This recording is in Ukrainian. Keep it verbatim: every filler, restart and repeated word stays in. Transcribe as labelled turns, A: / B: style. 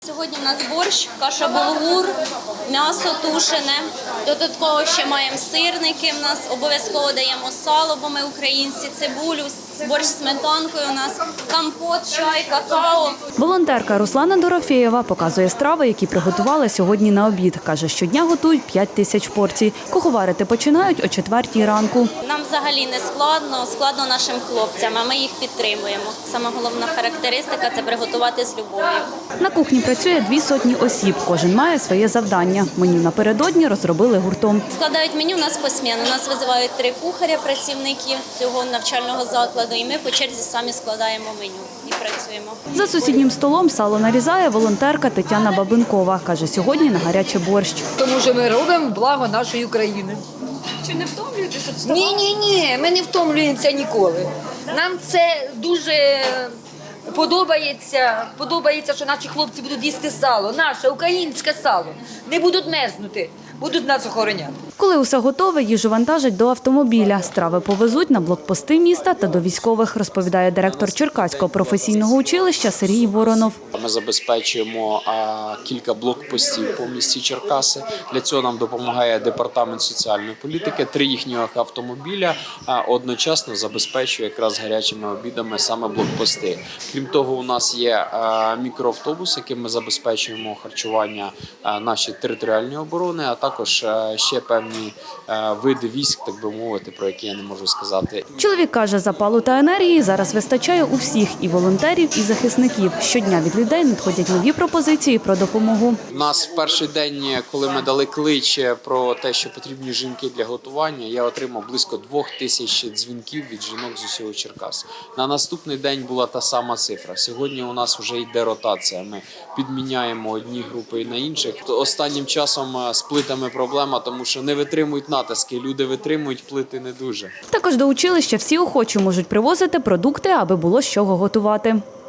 A: Сьогодні у нас борщ, каша булгур, м'ясо тушене. Додатково ще маємо сирники, в нас обов'язково даємо сало, бо ми українці, цибулю, борщ з сметанкою у нас, компот, чай, какао.
B: Волонтерка Руслана Дорофєєва показує страви, які приготували сьогодні на обід. Каже, щодня готують п'ять тисяч порцій. Куховарити починають о четвертій ранку.
A: Нам взагалі не складно, складно нашим хлопцям, а ми їх підтримуємо. Саме головна характеристика – це приготувати з любов'ю.
B: На кухні працює дві сотні осіб. Кожен має своє завдання. Меню напередодні розробили гуртом.
A: Складають меню у нас посмінно. Нас визивають три кухаря, працівників цього навчального закладу, і ми по черзі самі складаємо меню і працюємо.
B: За сусіднім столом сало нарізає волонтерка Тетяна Бабинкова. Каже, сьогодні на гаряче борщ.
C: Тому що ми робимо благо нашої країни.
A: Чи не втомлюєтеся?
C: Ні, ні, ні, ми не втомлюємося ніколи. Нам це дуже подобається. Подобається, що наші хлопці будуть їсти сало, наше українське сало. Не будуть мерзнути, будуть нас охороняти.
B: Коли усе готове, їжу вантажать до автомобіля. Страви повезуть на блокпости міста та до військових, розповідає директор Черкаського професійного училища Сергій Воронов.
D: Ми забезпечуємо а, кілька блокпостів по місті Черкаси. Для цього нам допомагає департамент соціальної політики. Три їхніх автомобіля а, одночасно забезпечує якраз гарячими обідами саме блокпости. Крім того, у нас є а, мікроавтобус, яким ми забезпечуємо харчування а, нашої територіальної оборони, а також а, ще певні а, види військ, так би мовити, про які я не можу сказати.
B: Чоловік каже, запалу та енергії зараз вистачає у всіх – і волонтерів, і захисників. Щодня від людей надходять нові пропозиції про допомогу.
D: У нас в перший день, коли ми дали клич про те, що потрібні жінки для готування, я отримав близько двох тисяч дзвінків від жінок з усього Черкас. На наступний день була та сама цифра. Сьогодні у нас вже йде ротація. Ми підміняємо одні групи на інших. Останнім часом з плитами проблема, тому що не витримують натиски. Люди витримують, плити не дуже.
B: Також до училища всі охочі можуть привозити продукти, аби було з чого готувати.